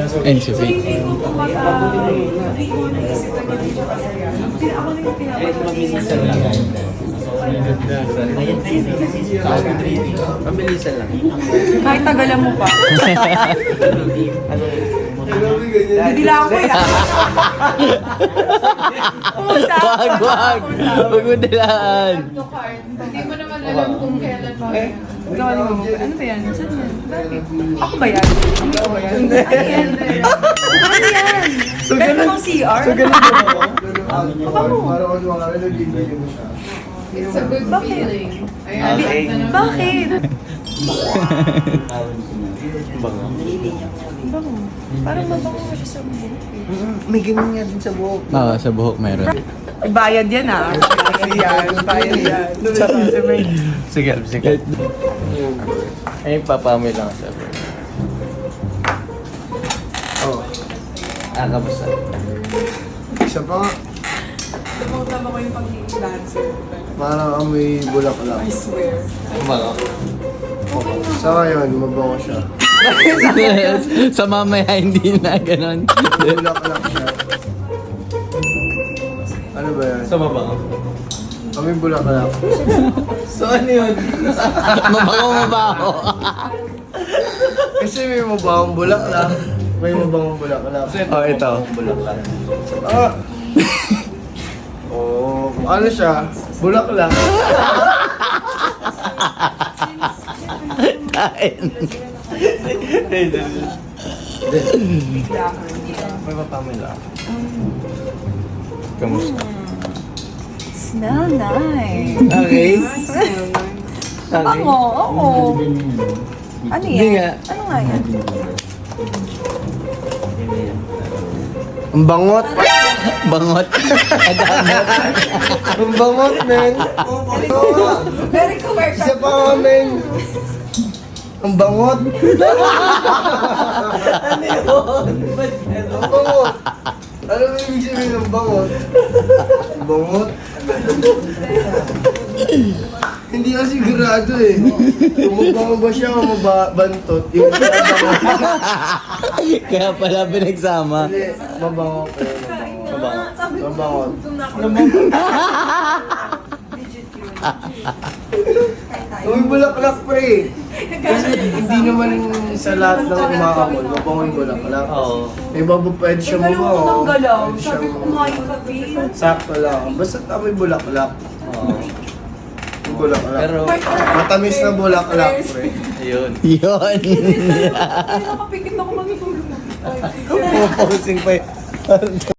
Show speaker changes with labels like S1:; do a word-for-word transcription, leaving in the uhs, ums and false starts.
S1: N C V.
S2: Hindi ko kumaka... Hindi ko naisip na ganun siya kasaya. Pina- Ako na yung pinapag-iisip.
S3: Pabilisan lang.
S2: Kahit tagalan mo pa. Didila ako eh.
S1: Wag, wag! Wag mo dilaan!
S4: Hindi mo naman alam kung kailan pa.
S2: Gawa ni Mama. Ano ba yan? Saan yan? Bakit? Ako ba yan? Ano ba yan? Ano yan? Ano yan?
S3: So,
S2: Ganun
S3: ganun-
S2: bang C R?
S3: So, ganun ba ako?
S5: Para kung mga nag-ibigay mo siya.
S4: It's a good
S2: Bakit?
S4: feeling. Ayan,
S3: Okay.
S4: na naman.
S2: Bakit?
S3: Bango.
S2: Bango. Parang mabango mo siya sa buhok.
S3: Mm, May ganun nga din sa buhok.
S1: Oo, sa buhok meron.
S2: Bayad yan ah. Bayad yan. Bayad yan. Sabay.
S3: Sige, sige. Ay, papamay lang sa buhok.
S5: Oh,
S3: Ah, kamusta?
S5: isa pa nga.
S2: Tumutama ko yung pagiging dancer.
S5: Parang amoy bulaklak.
S2: I swear.
S3: Bango.
S5: Sa ngayon, mabango siya.
S1: Sa mamaya hindi na ganon.
S5: Bulaklak siya. Ano ba yan?
S3: Sa mabango.
S5: Amoy bulaklak.
S3: So, ano yun?
S1: Mabango mabaho.
S5: Kasi may mabangong bulaklak. May mabangong bulaklak.
S3: Oh, ito. Bulaklak.
S5: Ah! Oh, ano siya? Bulaklak.
S1: Kain.
S3: May papamay lang. Kamusta?
S2: Smell nice.
S3: Okay.
S2: Bango, oo. Ano
S3: Hindi nga.
S2: yan? Ano nga yan?
S5: Ang bangot.
S1: Bangot.
S5: Ang bangot, men.
S2: Very commercial.
S5: Isa pa nga, men. Ang bangot.
S3: Ano yun? Ba't ano?
S5: Ang bangot. Ano ang ibig sabihin ng bangot? Ang bangot? Hindi ako sigurado eh. Kung mabango ba siya o mabantot, yung mabango.
S1: Kaya pala pinagsama.
S5: Hindi, mabango ko.
S3: Mabango.
S5: Mabango. Uy, bulaklak pre. Kasi hindi naman sa lahat ng umakamol, mabango yung bulaklak.
S3: Oo.
S5: May bago pwede siya
S2: Alam mo
S5: mabango.
S2: nang galaw.
S5: Pwede
S2: Sabi
S5: siyang-
S2: ko kumain ka, Pin.
S5: Sakto lang. Basta amoy bulaklak.
S3: Oo.
S5: Yung bulaklak.
S3: Pero,
S5: Matamis na bulaklak pre.
S3: ayun.
S1: Yun.
S2: Hindi nakapikit ako matutulog.
S3: Puposing pa yun.